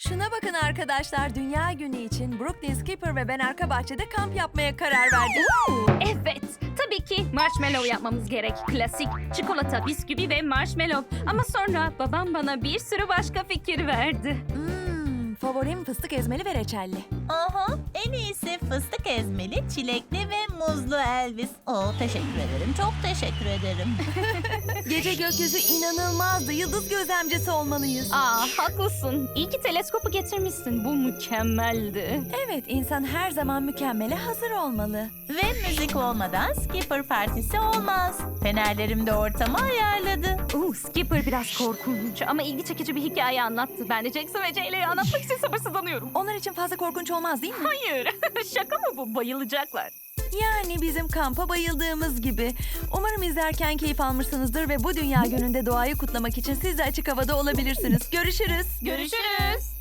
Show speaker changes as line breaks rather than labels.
Şuna bakın arkadaşlar, Dünya Günü için Brooklyn, Skipper ve ben arka bahçede kamp yapmaya karar verdik.
Evet, tabii ki marshmallow yapmamız gerek. Klasik çikolata, bisküvi ve marshmallow. Ama sonra babam bana bir sürü başka fikir verdi.
Favorim fıstık ezmeli ve reçelli.
Aha, en iyisi fıstık ezmeli, çilekli ve muzlu Elvis. Teşekkür ederim, çok teşekkür ederim.
Gece gökyüzü inanılmazdı. Yıldız gözlemcisi olmalıyız.
Haklısın. İyi ki teleskopu getirmişsin. Bu mükemmeldi.
Evet, insan her zaman mükemmele hazır olmalı.
Ve müzik olmadan Skipper partisi olmaz. Fenerlerim de ortamı ayarladı.
Skipper biraz korkunç ama ilgi çekici bir hikaye anlattı. Ben de Jackson ve Jaylee'yi anlatmak için sabırsızlanıyorum.
Onlar için fazla korkunç olmaz değil mi?
Hayır, şaka mı bu? Bayılacaklar.
Yani bizim kampa bayıldığımız gibi. Umarım izlerken keyif almışsınızdır ve bu Dünya Günü'nde doğayı kutlamak için siz de açık havada olabilirsiniz. Görüşürüz.
Görüşürüz.